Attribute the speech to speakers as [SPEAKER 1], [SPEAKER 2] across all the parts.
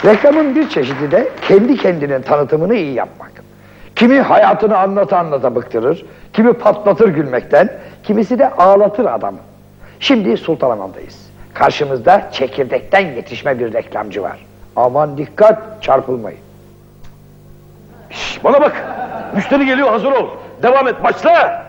[SPEAKER 1] Reklamın bir çeşidi de kendi kendinin tanıtımını iyi yapmak. Kimi hayatını anlata anlata bıktırır, kimi patlatır gülmekten, kimisi de ağlatır adamı. Şimdi Sultanahmet'teyiz. Karşımızda çekirdekten yetişme bir reklamcı var. Aman dikkat, çarpılmayın.
[SPEAKER 2] Şş, bana bak, müşteri geliyor, hazır ol. Devam et, başla.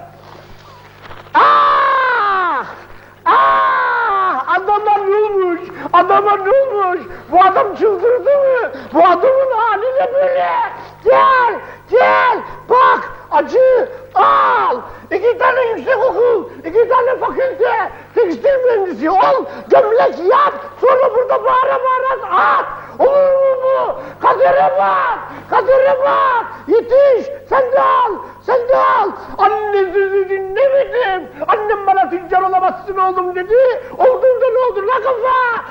[SPEAKER 3] Adama ne olmuş? Adama ne olmuş? Bu adam çıldırdı mı? Bu adamın hali ne böyle? Gel, gel, bak, acı, al. 2 tane yüksek okul, 2 tane fakülte, tekstil mühendisi ol, gömlek yap, sonra burada bağıra bağıra at. Olur mu bu? Kadere bak, kadere bak. Yetiş, sen de al, sen de al. Anne sözü dinlemedim. Annem bana tüccar olamazsın oğlum dedi. Olduğunda ne oldu la kafa?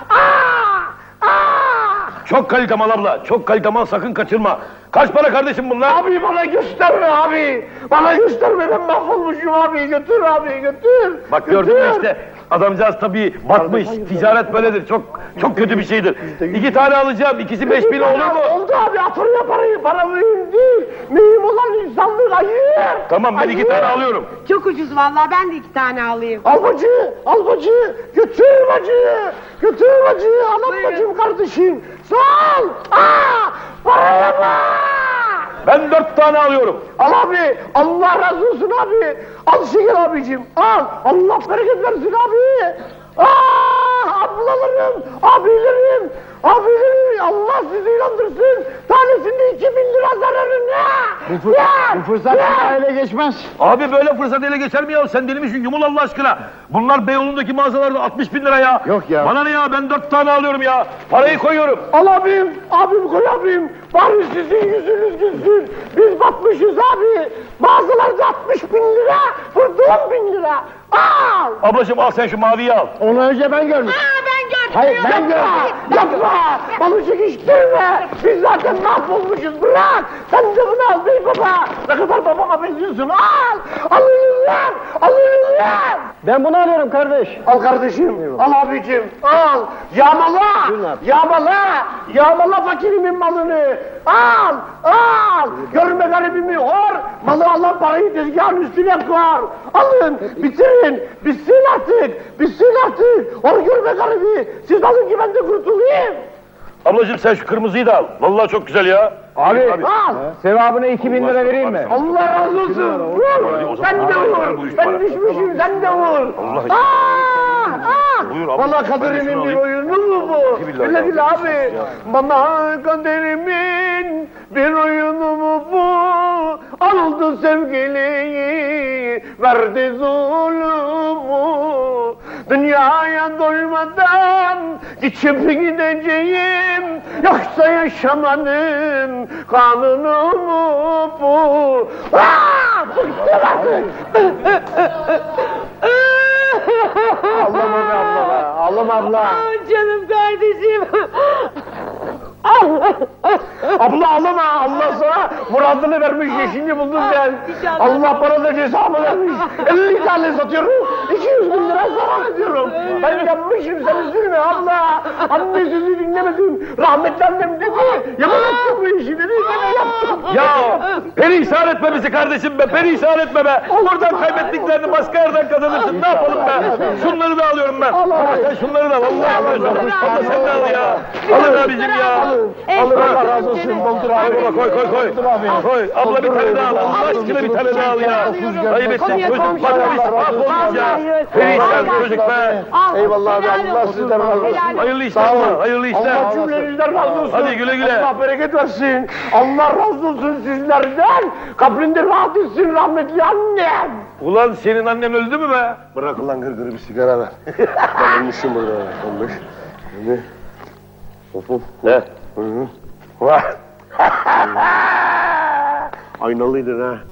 [SPEAKER 2] Çok kalite mal abla, çok kalite mal, sakın kaçırma. Kaç para kardeşim bunlar?
[SPEAKER 3] Abi bana gösterme abi. Bana gösterme, ben mahvolmuşum abi. Götür abi, götür.
[SPEAKER 2] Bak gördün mü işte, adamcağız tabii batmış, ticaret böyledir, çok kötü bir şeydir. 2 tane alacağım, ikisi 5.000 olur mu?
[SPEAKER 3] Oldu abi, atırla parayı, para mühim değil. Mühim olan insanlık, hayır.
[SPEAKER 2] Tamam, ben 2 tane alıyorum.
[SPEAKER 4] Çok ucuz vallahi, ben de 2 tane alayım.
[SPEAKER 3] Al bacı, al bacı, götür bacı, götür bacı, anam bacım kardeşim. Sağ ol, paraya bak.
[SPEAKER 2] Ben 4 tane alıyorum.
[SPEAKER 3] Al abi, Allah razı olsun abi. Al şeker abicim, al. Allah bereket versin abi. Ablalarım, abilerim, Allah sizi inandırsın. Tanesinde 2.000 lira zararı ne?
[SPEAKER 5] Bu fırsat ele geçmez.
[SPEAKER 2] Abi böyle fırsat ele geçer mi ya? Sen deli misin? Yumul Allah aşkına. Bunlar Beyoğlu'ndaki mağazalarda 60.000 lira ya.
[SPEAKER 5] Yok ya.
[SPEAKER 2] Bana ne ya? Ben 4 tane alıyorum ya. Parayı koyuyorum.
[SPEAKER 3] Al abim koy abim. Bari sizin yüzünüz gülsün. Biz batmışız abi. Mağazalarda 60.000 lira, burada 10.000 lira. Al.
[SPEAKER 2] Ablacığım al sen şu maviyi al.
[SPEAKER 5] Onu önce ben görmüştüm.
[SPEAKER 4] Ben gördüm.
[SPEAKER 5] Hayır, ben
[SPEAKER 3] Yapma, yapma. Balı çekiştirme. Biz zaten mahvolmuşuz. Bırak. Sen de bunu al bey baba. Ne kadar babama benziyorsun. Al. Alın lan. Alın lan.
[SPEAKER 5] Ben bunu alıyorum kardeş.
[SPEAKER 3] Al kardeşim, al abicim, al! Yağmala! Yağmala! Yağmala fakirimin malını! Al! Al! Görme garibimi hor! Malı alan parayı tezgahın üstüne koy! Alın! Bitirin! Bitsin artık! Bitsin artık! Hor görme garibi! Siz alın ki ben de kurtulayım!
[SPEAKER 2] Ablacığım sen şu kırmızıyı da al. Vallahi çok güzel ya.
[SPEAKER 5] Abi,
[SPEAKER 3] Al!
[SPEAKER 5] sevabına 2.000 lira vereyim mi?
[SPEAKER 3] Allah razı olsun! Vur! Sen de vur! Ben düşmüşüm, sen de vur!
[SPEAKER 2] Buyur abla.
[SPEAKER 3] Bana
[SPEAKER 2] Ben de şunu
[SPEAKER 3] kaderimin bir
[SPEAKER 2] alayım.
[SPEAKER 3] oyunu mu bu?
[SPEAKER 2] Billahi
[SPEAKER 3] Öyle değil
[SPEAKER 2] ya.
[SPEAKER 3] abi. Bana kaderimin bir oyunu mu bu? Aldı sevgiliyi, verdi zulümü. Dünyaya doymadan geçip gideceğim, yoksa yaşamanın kanunu mu bu? Bıktım artık! Ağlama be abla be, ağlama abla.
[SPEAKER 4] Canım kardeşim.
[SPEAKER 3] Abla ağlama, Allah sana muradını vermiş, yeşilini buldun sen.
[SPEAKER 4] İnşallah.
[SPEAKER 3] Allah bana da cezamı vermiş. 50 tane satıyorum, 200.000 lira zarar ediyorum. Ben yanmışım, sen üzülme abla. Anne sözü dinlemedim, rahmetli annem dedi. Yapamazsın bu işi dedi, ben yaptım.
[SPEAKER 2] Ya perişan etme bizi kardeşim be, perişan etme be. Oradan kaybettiklerini başka yerden kazanırsın, ne yapalım be? Şunları da alıyorum ben. Sen şunları da al, vallahi alıyorum. Abla sen de al ya. Alın abicim ya.
[SPEAKER 3] Alır Allah razı olsun, doldur abi.
[SPEAKER 2] Koy baba, koy. Koy, abla bir tane daha al. Allah aşkına bir tane daha al ya. Ayıp ettin çocuk, batmış, mahvolmuş ya. Perişan çocuk be.
[SPEAKER 3] Eyvallah abi, Allah sizden razı olsun.
[SPEAKER 2] Hayırlı işler abla, hayırlı işler.
[SPEAKER 3] Allah cümlenizden razı olsun.
[SPEAKER 2] Hadi güle güle.
[SPEAKER 3] Allah bereket versin. Allah razı olsun sizlerden. Kabrinde rahat etsin rahmetli annem.
[SPEAKER 2] Ulan senin annen öldü mü be?
[SPEAKER 3] Bırak ulan gırgırı, bir sigara ver. Ben ölmüşüm burada. Ölmüş. Of.
[SPEAKER 2] Ne?
[SPEAKER 3] Aynalıydın ha.